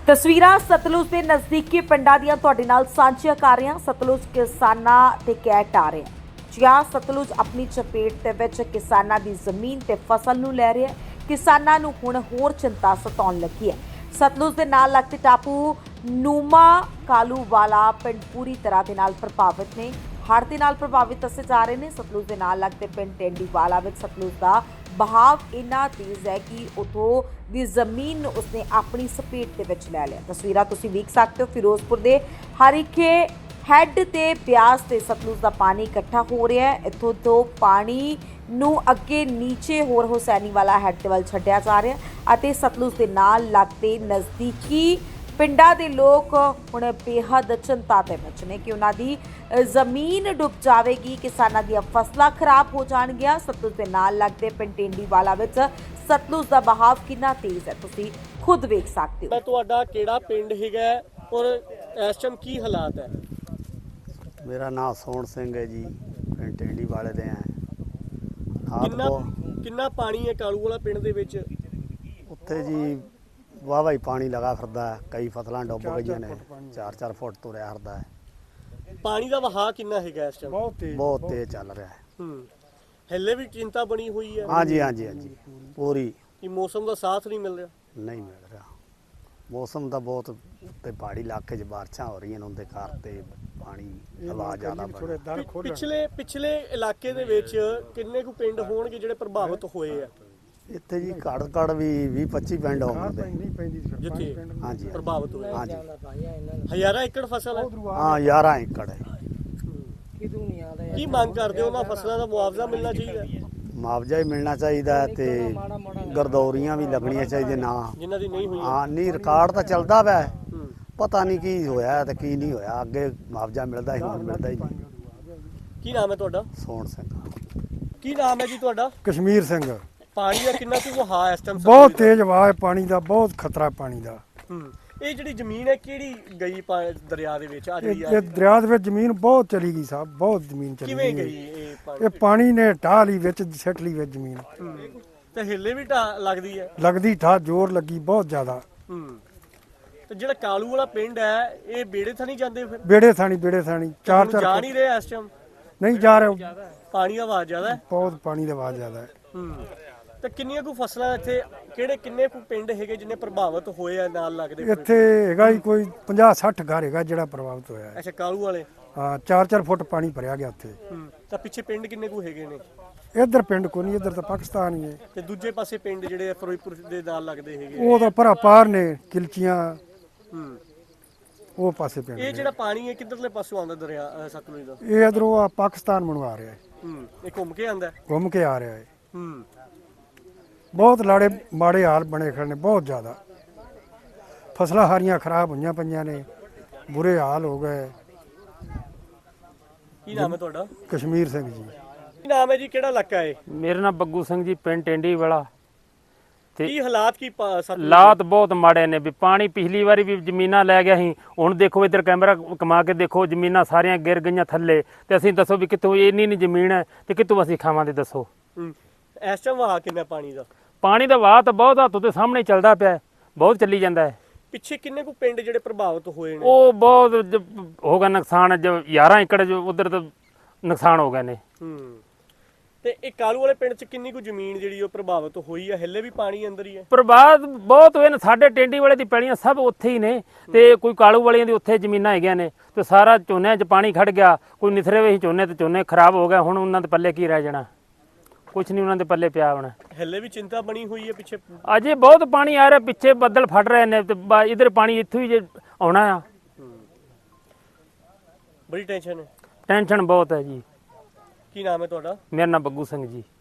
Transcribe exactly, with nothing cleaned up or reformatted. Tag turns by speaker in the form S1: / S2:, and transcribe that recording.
S1: ਤਸਵੀਰਾਂ ਸਤਲੁਜ ਦੇ ਨਜ਼ਦੀਕੀ ਪਿੰਡਾਂ ਦੀਆਂ ਤੁਹਾਡੇ ਨਾਲ ਸਾਂਝੀਆਂ ਕਰ ਰਹੇ ਹਾਂ। ਸਤਲੁਜ ਕਿਸਾਨਾਂ ਤੇ ਕਹਿ ਢਾ ਰਿਹਾ ਜਿਆ ਸਤਲੁਜ ਆਪਣੀ ਚਪੇਟ ਦੇ ਵਿੱਚ ਕਿਸਾਨਾਂ ਦੀ ਜ਼ਮੀਨ ਤੇ ਫਸਲ ਨੂੰ ਲੈ ਰਿਹਾ। ਕਿਸਾਨਾਂ ਨੂੰ ਹੁਣ ਹੋਰ ਚਿੰਤਾ ਸਤਾਉਣ ਲੱਗੀ ਹੈ। ਸਤਲੁਜ ਦੇ ਨਾਲ ਲੱਗਦੇ ਟਾਪੂ ਨੂਮਾ ਕਾਲੂਵਾਲਾ ਪਿੰਡ ਪੂਰੀ ਤਰ੍ਹਾਂ ਦੇ ਨਾਲ ਪ੍ਰਭਾਵਿਤ ਨੇ। ਹੜ੍ਹ ਦੇ ਨਾਲ ਪ੍ਰਭਾਵਿਤ ਦੱਸੇ ਜਾ ਰਹੇ ਨੇ। ਸਤਲੁਜ ਦੇ ਨਾਲ ਲੱਗਦੇ ਪਿੰਡ ਟੈਂਡੀਵਾਲਾ ਵਿੱਚ ਸਤਲੁਜ ਦਾ ਬਹਾਵ ਇੰਨਾ ਤੇਜ਼ ਹੈ ਕਿ ਉਥੋਂ ਦੀ ਜ਼ਮੀਨ ਨੂੰ ਉਸਨੇ ਆਪਣੀ ਸਪੇਟ ਦੇ ਵਿੱਚ ਲੈ ਲਿਆ। ਤਸਵੀਰਾਂ ਤੁਸੀਂ ਵੇਖ ਸਕਦੇ ਹੋ। ਫਿਰੋਜ਼ਪੁਰ ਦੇ ਹਰੀਕੇ ਹੈੱਡ ਤੇ ਬਿਆਸ ਤੇ ਸਤਲੁਜ ਦਾ ਪਾਣੀ ਇਕੱਠਾ ਹੋ ਰਿਹਾ ਹੈ। ਇੱਥੋਂ ਤੋਂ ਪਾਣੀ ਨੂੰ ਅੱਗੇ ਨੀਚੇ ਹੋਰ ਹੁਸੈਨੀ ਵਾਲਾ ਹੈੱਡ ਵੱਲ ਛੱਡਿਆ ਜਾ ਰਿਹਾ ਅਤੇ ਸਤਲੁਜ ਦੇ ਨਾਲ ਲੱਗਦੇ ਨਜ਼ਦੀਕੀ ਪਿੰਡਾਂ ਦੇ ਲੋਕ ਹੁਣ ਬੇਹੱਦ ਚਿੰਤਾ ਦੇ ਵਿੱਚ ਨੇ ਕਿ ਉਹਨਾਂ ਦੀ ਜ਼ਮੀਨ ਡੁੱਬ ਜਾਵੇਗੀ, ਕਿਸਾਨਾਂ ਦੀਆਂ ਫਸਲਾਂ ਖਰਾਬ ਹੋ ਜਾਣਗੀਆਂ। ਸਤਲੁਜ ਦੇ ਨਾਲ ਲੱਗਦੇ ਪਿੰਡ ਟੈਂਡੀਵਾਲਾ ਵਿੱਚ ਸਤਲੁਜ ਦਾ ਬਹਾਵ ਕਿੰਨਾ ਤੇਜ਼ ਹੈ ਤੁਸੀਂ ਖੁਦ ਵੇਖ ਸਕਦੇ ਹੋ।
S2: ਤੁਹਾਡਾ ਕਿਹੜਾ ਪਿੰਡ ਹੈਗਾ ਔਰ ਇਸ ਟਾਈਮ ਕੀ ਹਾਲਾਤ ਹੈ?
S3: ਮੇਰਾ ਨਾਮ ਸੋਹਣ ਸਿੰਘ ਹੈ ਜੀ, ਪਿੰਡ ਟੈਂਡੀਵਾਲੇ ਦੇ ਆ।
S2: ਕਿੰਨਾ ਕਿੰਨਾ ਪਾਣੀ ਹੈ ਕਾਲੂ ਵਾਲਾ ਪਿੰਡ ਦੇ ਵਿੱਚ?
S3: ਉੱਥੇ ਜੀ ਵਾਹਵਾ ਹੀ ਪਾਣੀ ਲਗਾ ਫਿਰਦਾ ਹੈ, ਕਈ ਫਸਲਾਂ ਡੁੱਬ ਗਈਆਂ ਨੇ, ਚਾਰ ਚਾਰ ਫੁੱਟ ਤੁਰਿਆ ਫਿਰਦਾ ਹੈ।
S2: ਪਾਣੀ ਦਾ ਵਹਾਅ ਕਿੰਨਾ ਹੈਗਾ ਇਸ ਟਾਈਮ?
S3: ਬਹੁਤ ਤੇਜ਼ ਬਹੁਤ ਤੇਜ਼ ਚੱਲ ਰਿਹਾ ਹੈ।
S2: ਹੂੰ ਹੱਲੇ ਵੀ ਚਿੰਤਾ ਬਣੀ ਹੋਈ ਹੈ?
S3: ਹਾਂਜੀ ਹਾਂਜੀ ਹਾਂਜੀ ਪੂਰੀ।
S2: ਕਿ ਮੌਸਮ ਦਾ ਸਾਥ ਨਹੀਂ ਮਿਲ ਰਿਹਾ?
S3: ਨਹੀਂ ਮਿਲ ਰਿਹਾ। ਮੌਸਮ ਦਾ ਬਹੁਤ ਤੇ ਪਹਾੜੀ ਇਲਾਕੇ 'ਚ ਬਾਰਿਸ਼ਾਂ ਹੋ ਰਹੀਆਂ ਨੇ, ਉਹਦੇ ਕਾਰਨ ਤੇ ਪਾਣੀ ਹਵਾ ਜ਼ਿਆਦਾ ਬਣ।
S2: ਪਿਛਲੇ ਪਿਛਲੇ ਇਲਾਕੇ ਦੇ ਵਿੱਚ ਕਿੰਨੇ ਕੁ ਪਿੰਡ ਹੋਣਗੇ ਜਿਹੜੇ ਪ੍ਰਭਾਵਿਤ ਹੋਏ ਆ?
S3: ਇੱਥੇ ਜੀ ਘੜ ਘੜ ਵੀ ਵੀਹ ਪੱਚੀ ਪਿੰਡ ਹੋਣਗੇ
S2: ਜਿੱਥੇ
S3: ਹਾਂਜੀ
S2: ਪ੍ਰਭਾਵਿਤ ਹੋਏ।
S3: ਹਾਂਜੀ
S2: ਹਜ਼ਾਰਾਂ ਏਕੜ ਫਸਲ ਹੈ?
S3: ਹਾਂ ਗਿਆਰਾਂ ਏਕੜ ਹੈ।
S2: ਕੀ ਮੰਗ ਕਰਦੇ ਹੋ? ਉਹਨਾਂ ਫਸਲਾਂ ਦਾ ਮੁਆਵਜ਼ਾ ਮਿਲਣਾ ਚਾਹੀਦਾ?
S3: ਮੁਆਵਜ਼ਾ ਹੀ ਮਿਲਣਾ ਚਾਹੀਦਾ ਤੇ ਗਰਦੌਰੀਆਂ ਵੀ ਲੱਗਣੀਆਂ ਚਾਹੀਦੀਆਂ ਨਾ,
S2: ਜਿਨ੍ਹਾਂ ਦੀ ਨਹੀਂ ਹੋਈਆਂ।
S3: ਹਾਂ ਨਹੀਂ ਰਿਕਾਰਡ ਤਾਂ ਚੱਲਦਾ ਪਿਆ, ਪਤਾ ਨਹੀਂ ਕੀ ਹੋਇਆ ਤੇ ਕੀ ਨਹੀਂ ਹੋਇਆ। ਅੱਗੇ ਮੁਆਵਜ਼ਾ ਮਿਲਦਾ ਹੀ, ਹੁਣ ਮਿਲਦਾ ਹੀ ਨਹੀਂ।
S2: ਕੀ ਨਾਮ ਹੈ ਤੁਹਾਡਾ?
S3: ਸੋਹਣ ਸਿੰਘ।
S2: ਕੀ ਨਾਮ ਹੈ ਜੀ ਤੁਹਾਡਾ?
S4: ਕਸ਼ਮੀਰ ਸਿੰਘ।
S2: ਪਾਣੀ ਦਾ ਕਿੰਨਾ ਕੁ ਵਹਾਅ ਇਸ ਟਾਈਮ?
S4: ਬਹੁਤ ਤੇਜ਼ ਵਹਾਅ ਹੈ ਪਾਣੀ ਦਾ, ਬਹੁਤ ਖਤਰਾ ਪਾਣੀ ਦਾ।
S2: ਹੂੰ ਇਹ ਜਿਹੜੀ ਜ਼ਮੀਨ ਹੈ ਕਿਹੜੀ ਗਈ ਪਾ- ਦਰਿਆ ਦੇ ਵਿੱਚ? ਆ ਜਿਹੜੀ
S4: ਇਹ ਇਹ ਦਰਿਆ ਦੇ ਵਿੱਚ ਜ਼ਮੀਨ ਬਹੁਤ ਚਲੀ ਗਈ ਸਾਹਿਬ, ਬਹੁਤ ਜ਼ਮੀਨ ਚਲੀ
S2: ਕਿਵੇਂ
S4: ਗਈ।
S2: ਗਈ ਇਹ ਪਾਣੀ?
S4: ਇਹ ਪਾਣੀ ਨੇ ਢਾਹ ਲਈ ਵਿੱਚ, ਸਿੱਟ ਲਈ ਵਿੱਚ ਜ਼ਮੀਨ।
S2: ਹੂੰ ਤੇ ਹਿੱਲੇ ਵੀ ਢਾਹ ਲੱਗਦੀ ਹੈ?
S4: ਲੱਗਦੀ ਠਾ ਜ਼ੋਰ ਲੱਗੀ ਬਹੁਤ ਜ਼ਿਆਦਾ।
S2: ਹੂੰ ਤੇ ਜਿਹੜਾ ਕਾਲੂ ਵਾਲਾ ਪਿੰਡ ਹੈ ਇਹ ਬੇੜੇ ਥਾਂ ਨਹੀਂ ਜਾਂਦੇ ਫਿਰ?
S4: ਬੇੜੇ ਥਾਣੀ ਬੇੜੇ ਥਾਣੀ ਚਾਰ
S2: ਹੁਣ
S4: ਚਾਰ
S2: ਜਾ
S4: ਫੁੱਟ-
S2: ਨਹੀਂ ਰਹੇ ਇਸ ਟਾਈਮ?
S4: ਨਹੀਂ ਜਾ ਰਿਹਾ,
S2: ਪਾਣੀ ਦਾ ਵਹਾਅ ਜ਼ਿਆਦਾ ਹੈ?
S4: ਬਹੁਤ ਪਾਣੀ ਦਾ ਵਹਾਅ ਜ਼ਿਆਦਾ ਹੈ।
S2: ਹੂੰ ਤੇ ਕਿੰਨੀਆਂ ਕੁ ਫਸਲਾਂ ਇੱਥੇ, ਕਿਹੜੇ ਕਿੰਨੇ ਕੁ ਪਿੰਡ ਹੈਗੇ ਜਿਹਨੇ ਪ੍ਰਭਾਵਿਤ ਹੋਏ ਆ ਨਾਲ ਲੱਗਦੇ?
S4: ਇੱਥੇ ਹੈਗਾ ਹੀ ਕੋਈ ਪੰਜਾਹ ਸੱਠ ਘਰ ਹੈਗਾ ਜਿਹੜਾ ਪ੍ਰਭਾਵਿਤ ਹੋਇਆ ਹੈ।
S2: ਅੱਛਾ ਕਾਲੂ ਵਾਲੇ।
S4: ਹਾਂ ਚਾਰ ਚਾਰ ਫੁੱਟ ਪਾਣੀ ਭਰਿਆ ਗਿਆ ਉੱਥੇ।
S2: ਹੂੰ ਤਾਂ ਪਿੱਛੇ ਪਿੰਡ ਕਿੰਨੇ ਕੁ ਹੈਗੇ ਨੇ?
S4: ਇੱਧਰ ਪਿੰਡ ਕੋਈ ਨਹੀਂ, ਇੱਧਰ ਤਾਂ ਪਾਕਿਸਤਾਨ ਹੀ ਹੈ।
S2: ਤੇ ਦੂਜੇ ਪਾਸੇ ਪਿੰਡ ਜਿਹੜੇ ਫਿਰੋਜ਼ਪੁਰ ਦੇ ਨਾਲ ਲੱਗਦੇ ਹੈਗੇ?
S4: ਉਹ ਤਾਂ ਭਰਾ ਪਾਰ ਨੇ ਕਿਲਚੀਆਂ,
S2: ਹੂੰ
S4: ਉਹ ਪਾਸੇ ਪਿੰਡ
S2: ਇਹ
S4: ਨੇ।
S2: ਜਿਹੜਾ ਪਾਣੀ ਹੈ ਕਿੱਧਰਲੇ ਪਾਸੋਂ ਆਉਂਦਾ ਦਰਿਆ ਅਹ ਸਤਲੁਜ ਦਾ?
S4: ਇਹ ਇਧਰੋਂ ਆ ਪਾਕਿਸਤਾਨ ਮਨਵਾ ਰਿਹਾ ਹੈ,
S2: ਹੂੰ ਇਹ ਘੁੰਮ ਕੇ ਆਉਂਦਾ?
S4: ਘੁੰਮ ਕੇ ਆ ਰਿਹਾ ਹੈ।
S2: ਹੂੰ
S4: ਬਹੁਤ ਲਾੜੇ ਮਾੜੇ ਹਾਲ ਬਣੇ ਖੜੇ ਨੇ, ਬਹੁਤ ਜ਼ਿਆਦਾ ਫਸਲਾਂ ਹਾਰੀਆਂ ਖਰਾਬ ਹੋਈਆਂ ਪਈਆਂ ਨੇ, ਬੁਰੇ ਹਾਲ ਹੋ ਗਏ।
S2: ਕੀ ਨਾਮ ਹੈ ਤੁਹਾਡਾ?
S4: ਕਸ਼ਮੀਰ ਸਿੰਘ ਜੀ।
S2: ਕੀ ਨਾਮ ਹੈ ਜੀ? ਕਿਹੜਾ ਇਲਾਕਾ ਹੈ?
S5: ਮੇਰਾ ਨਾਮ ਬੱਗੂ ਸਿੰਘ ਜੀ, ਪਿੰਡ ਟੈਂਡੀ ਵਾਲਾ।
S2: ਕੀ ਹਾਲਾਤ ਕੀ ਪਾ- ਸਤਲੁਜ ਦੇ?
S5: ਹਾਲਾਤ ਬਹੁਤ ਮਾੜੇ ਨੇ ਵੀ ਪਾਣੀ ਪਿਛਲੀ ਵਾਰੀ ਵੀ ਜ਼ਮੀਨਾਂ ਲੈ ਗਿਆ ਸੀ, ਹੁਣ ਦੇਖੋ ਇੱਧਰ ਕੈਮਰਾ ਕਮਾ ਕੇ ਦੇਖੋ ਜ਼ਮੀਨਾਂ ਸਾਰੀਆਂ ਗਿਰ ਗਈਆਂ ਥੱਲੇ। ਤੇ ਅਸੀਂ ਦੱਸੋ ਵੀ ਕਿੱਥੋਂ ਇੰਨੀ ਨਹੀਂ ਜ਼ਮੀਨ ਹੈ ਤੇ ਕਿੱਥੋਂ ਅਸੀਂ ਖਾਵਾਂਗੇ ਦੱਸੋ?
S2: ਹੂੰ ਇਸ ਟਾਈਮ ਵਹਾਅ ਕਿੰਨਾ ਪਾਣੀ ਦਾ?
S5: ਪਾਣੀ ਦਾ ਵਹਾਅ ਤਾਂ ਬਹੁਤ ਹੱਥੋਂ ਦੇ ਸਾਹਮਣੇ ਚੱਲਦਾ ਪਿਆ, ਬਹੁਤ ਚੱਲੀ ਜਾਂਦਾ ਹੈ।
S2: ਪਿੱਛੇ ਕਿੰਨੇ ਕੁ ਪਿੰਡ ਜਿਹੜੇ ਪ੍ਰਭਾਵਿਤ ਹੋਏ ਨੇ?
S5: ਉਹ ਬਹੁਤ ਜ- ਹੋ ਗਿਆ ਨੁਕਸਾਨ, ਜੋ ਗਿਆਰਾਂ ਏਕੜ ਜੋ ਉਧਰ ਤਾਂ ਨੁਕਸਾਨ ਹੋ ਗਏ ਨੇ।
S2: ਹੂੰ ਤੇ ਇਹ ਕਾਲੂ ਵਾਲੇ ਪਿੰਡ 'ਚ ਕਿੰਨੀ ਕੁ ਜ਼ਮੀਨ ਜਿਹੜੀ ਉਹ ਪ੍ਰਭਾਵਿਤ ਹੋਈ ਹੈ? ਹਿੱਲੇ ਵੀ ਪਾਣੀ ਅੰਦਰ ਹੀ ਹੈ?
S5: ਪ੍ਰਭਾਵ ਬਹੁਤ ਹੋਏ ਨੇ। ਸਾਡੇ ਟੈਂਡੀ ਵਾਲੇ ਦੀ ਪੈਲੀਆਂ ਸਭ ਉੱਥੇ ਹੀ ਨੇ ਤੇ ਕੋਈ ਕਾਲੂ ਵਾਲੀਆਂ ਦੀ ਉੱਥੇ ਜ਼ਮੀਨਾਂ ਹੈਗੀਆਂ ਨੇ ਤੇ ਸਾਰਾ ਝੋਨਿਆਂ 'ਚ ਪਾਣੀ ਖੜ ਗਿਆ। ਕੋਈ ਨਿਥਰੇ ਵੇ ਝੋਨੇ ਤੇ ਝੋਨੇ ਖਰਾਬ ਹੋ ਗਏ। ਹੁਣ ਉਹਨਾਂ ਦੇ ਪੱਲੇ ਕੀ ਰਹਿ ਜਾਣਾ? ਕੁਛ ਨਹੀਂ ਉਹਨਾਂ ਦੇ ਪੱਲੇ ਪਿਆ ਹੋਣਾ।
S2: ਹਿੱਲੇ ਵੀ ਚਿੰਤਾ ਬਣੀ ਹੋਈ ਹੈ ਪਿੱਛੇ?
S5: ਅਜੇ ਬਹੁਤ ਪਾਣੀ ਆ ਰਿਹਾ, ਪਿੱਛੇ ਬੱਦਲ ਫਟ ਰਹੇ ਨੇ ਤੇ ਬ- ਇੱਧਰ ਪਾਣੀ ਇੱਥੋਂ ਹੀ ਜੇ ਆਉਣਾ ਆ।
S2: ਬੜੀ ਟੈਨਸ਼ਨ ਹੈ?
S5: ਟੈਨਸ਼ਨ ਬਹੁਤ ਹੈ ਜੀ।
S2: ਕੀ ਨਾਮ ਹੈ ਤੁਹਾਡਾ?
S5: ਮੇਰਾ ਨਾਮ ਬੱਗੂ ਸਿੰਘ ਜੀ।